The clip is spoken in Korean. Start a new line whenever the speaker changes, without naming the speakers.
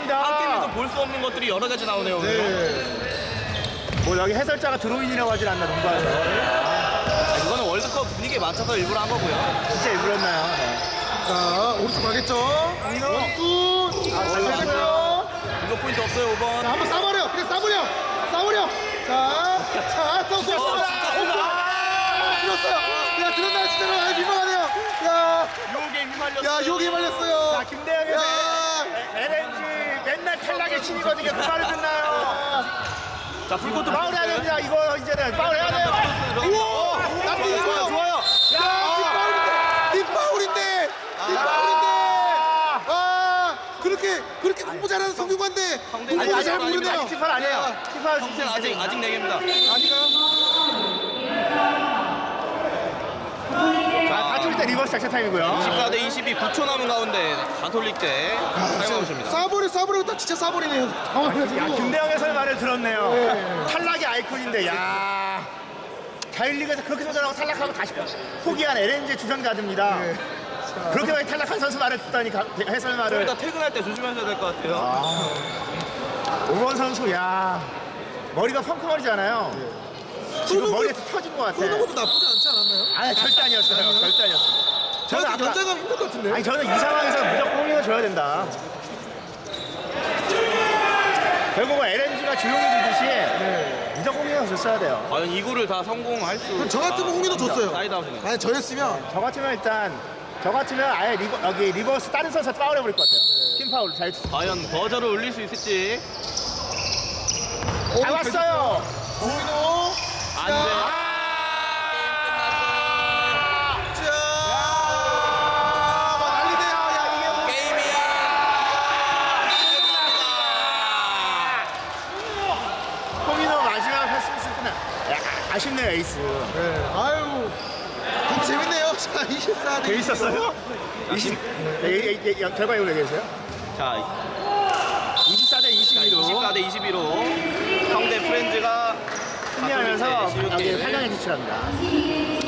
좋습니다.
한 게임에서 볼 수 없는 것들이 여러 가지 나오네요. 오늘.
네.
뭐 여기 해설자가 드로인이라고 하진 않나 농구에서.
이거는 월드컵 분위기에 맞춰서 일부러 한 거고요.
진짜 일부러였나요? 네.
자, 오른쪽 가겠죠? 원투.
잘 됐고요.
이거 포인트 없어요, 5번.
자, 한번 싸버려. 그냥 싸버려. 싸버려. 자, 또 쏘았습니다. 들었어요. 야, 들었나요, 진짜로? 아, 민망하네요. 야,
요게 휘말렸어요.
야, 여기 말렸어요.
자, 김대영의
야,
LNG 맨날 탈락의 신이거든요. 그 말을 듣나요?
자, 풀코트
파울 해야 됩니다. 이거 이제는 파울 해야 돼요.
우와, 나쁘지
좋아요, 좋아요.
야, 뒷파울인데. 뒷파울인데. 아, 그렇게 공부 잘하는 성균관대
성대-
공부 잘
아니,
모르네요.
아직 티팔 아니에요. 티팔
평생 아직 4개입니다.
아니가.
다 뚫을 때 리버스 작전 타임이고요.
24대 22, 9초 남은 가운데 가톨릭 대 사용하십니다.
싸버려 딱 진짜 싸버리네요. 당황해가지고.
야, 김대영 해설 말을 들었네요.
네.
탈락의 아이콘인데, 야. 자율리그에서 그렇게 도전하고 탈락하고 다시 포기한 LNG 주전 가드입니다.
네.
그렇게 많이 탈락한 선수 말을 듣다니 해설 말을.
일단 퇴근할 때 조심하셔야 될 것 같아요.
오원 선수, 야. 머리가 펑크머리잖아요. 지금 머리에서 터진 것 같아.
쏘는 것도 나쁘지 않지 않았나요?
아니, 절대 아니었어요. 절대 아니었어요. 저는
저는
아까,
연장감 힘들 것 같은데.
아니, 저는 이 상황에서 무조건 홈런을 줘야 된다. 결국은 LNG가 조용히 주듯이 무조건 홈런을 줬어야 돼요.
과연 이구를 다 성공할 수.
그럼 저 같으면 홍인호 줬어요.
사이드아웃이네.
아니 저였으면
저 같으면 아예 여기 리버스 다른 선수 파울 해버릴 것 같아요. 팀 파울 잘
과연 버저를 올릴 수 있을지.
잡았어요.
홍인호.
안 돼.
자, 난리네요. 야, 이게 뭐.
게임이
홍인호 마지막 패스 끝나. 아쉽네요 에이스.
네. 아유, 너무 재밌네요. 자, 24대
재밌었어요? 20. 결과 이걸 얘기해주세요.
자,
24대 22로
24대 22로 상대 프렌즈가
승리하면서
가톨릭 대
여기
CU
8강에 진출합니다.